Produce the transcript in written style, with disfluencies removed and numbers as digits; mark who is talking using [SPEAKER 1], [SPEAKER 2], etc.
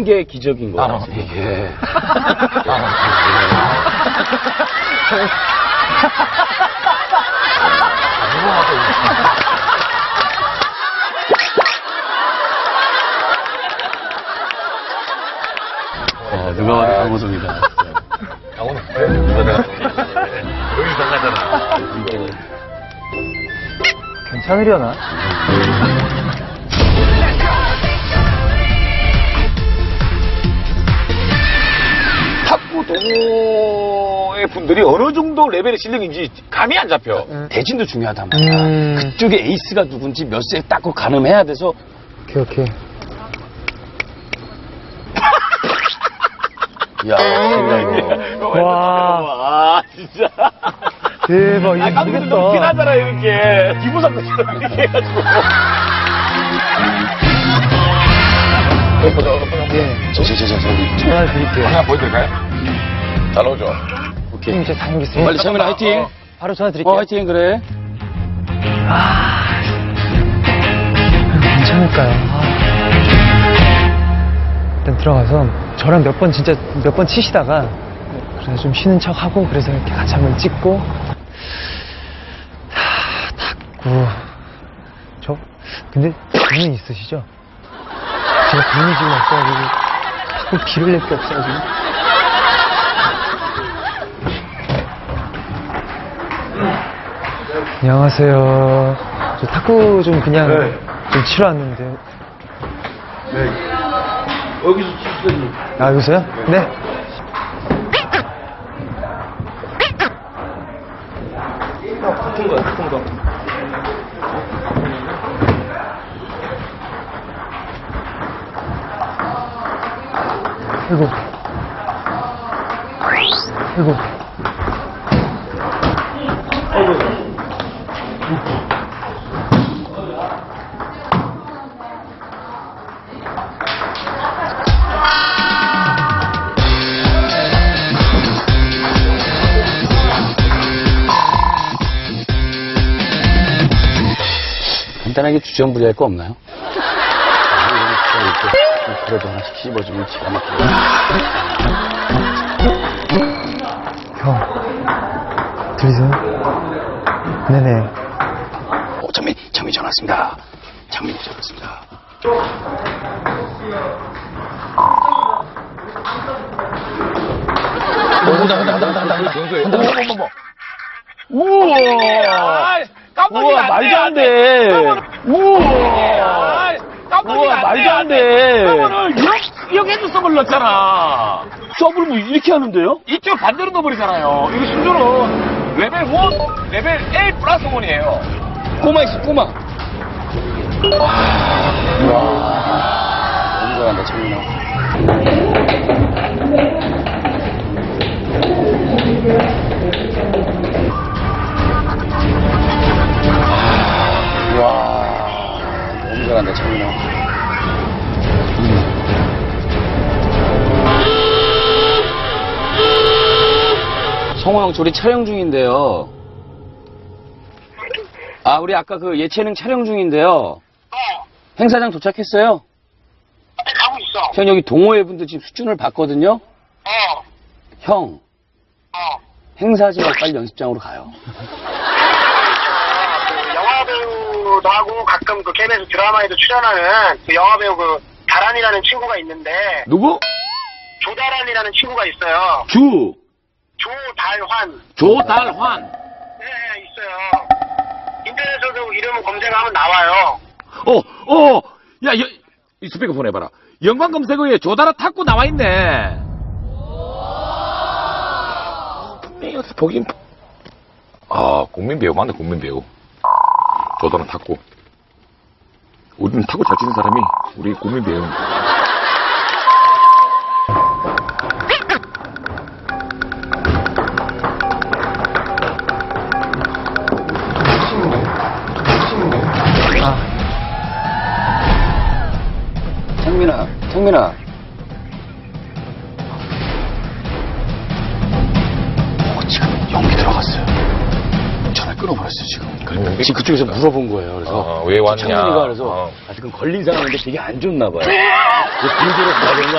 [SPEAKER 1] 이런 게 기적인 거예요. 이게. 누가 봐도 강호동이다.
[SPEAKER 2] 강호동. 여기 나가잖아.
[SPEAKER 3] 괜찮으려나?
[SPEAKER 2] 탁구도의 분들이 어느 정도 레벨의 실력인지 감이 안 잡혀.
[SPEAKER 1] 대진도 중요하단 말이야. 그쪽에 에이스가 누군지 몇 세 딱 가늠해야 돼서.
[SPEAKER 3] 오케이.
[SPEAKER 1] 야, 생각이.
[SPEAKER 3] 와.
[SPEAKER 2] 아, 진짜.
[SPEAKER 3] 대박, 이거
[SPEAKER 2] 감독도
[SPEAKER 3] 모르겠다.
[SPEAKER 2] 너무 티나잖아, 이렇게. 기부상처럼 이렇게 해가지고.
[SPEAKER 3] 예.
[SPEAKER 1] 저기.
[SPEAKER 3] 전화 드릴게요.
[SPEAKER 2] 하나 보여드릴까요? 잘 나오죠?
[SPEAKER 1] 오케이.
[SPEAKER 3] 형님, 제가 다녀오겠습니다.
[SPEAKER 1] 빨리 창민아, 화이팅.
[SPEAKER 3] 바로 전화 드릴게요.
[SPEAKER 1] 화이팅, 그래.
[SPEAKER 3] 괜찮을까요? 일단 들어가서 저랑 몇 번 치시다가 그래서 좀 쉬는 척 하고 그래서 이렇게 같이 한번 찍고 탁구 근데 돈은 있으시죠? 제가 돈이 지금 없어가지고 탁구 비를 낼 게 없어가지고 안녕하세요. 저 탁구 좀 그냥 좀 치러 왔는데.
[SPEAKER 2] 여기서 치시더니.
[SPEAKER 3] 아, 여기서요? 네.
[SPEAKER 2] 같은 거.
[SPEAKER 3] 아이고.
[SPEAKER 1] 간단하게 주전부리할 거 없나요? 그래도 하나씩 씹어주면 기가 막히게.
[SPEAKER 3] 형. 들리세요? 네네.
[SPEAKER 1] 장미 전화 왔습니다. 장미 전화 왔습니다.
[SPEAKER 2] 한다. 우와!
[SPEAKER 1] 우와, 말도 안 돼.
[SPEAKER 2] 우와!
[SPEAKER 1] 우와, 말도 안 돼.
[SPEAKER 2] 서브를 이렇게 서브를 넣었잖아.
[SPEAKER 1] 서브를 뭐 이렇게 하는데요?
[SPEAKER 2] 이쪽 반대로 넣어버리잖아요. 이거 심지어는 레벨 1, 레벨 A 플러스 1이에요.
[SPEAKER 1] 꼬마 있어, 꼬마. 와. 너무 잘한다, 장민아. 와. 너무 잘한다, 장민아. 성호 형, 우리 촬영 중인데요. 아, 우리 아까 그 예체능 촬영 중인데요. 행사장 도착했어요?
[SPEAKER 4] 가고 있어.
[SPEAKER 1] 형, 여기 동호회 분들 지금 수준을 봤거든요?
[SPEAKER 4] 어.
[SPEAKER 1] 형, 행사하지 말고 빨리 연습장으로 가요.
[SPEAKER 4] 그 영화 배우도 하고 가끔 그 KBS 드라마에도 출연하는 그 영화 배우 그 다란이라는 친구가 있는데
[SPEAKER 1] 누구?
[SPEAKER 4] 조다란이라는 친구가 있어요. 조달환.
[SPEAKER 1] 조달환.
[SPEAKER 4] 네, 있어요. 인터넷에도 이름을 검색하면 나와요.
[SPEAKER 2] 야, 이 스피커 폰 해봐라. 연관 검색어에 조다라 탁구 나와있네. 분명히 어디서 보긴. 아, 국민 배우 맞네, 국민 배우. 조다라 탁구. 우리는 탁구 잘 치는 사람이 우리 국민 배우.
[SPEAKER 1] 창민아. 지금 연기 들어갔어요. 전화 끊어버렸어요, 지금. 지금 그쪽에서 물어본 거예요. 그래서
[SPEAKER 2] 왜 왔냐?
[SPEAKER 1] 창민이가 그래서 아직은 걸린 상황인데 되게 안 좋나 봐요. 그래서 가야 되는 거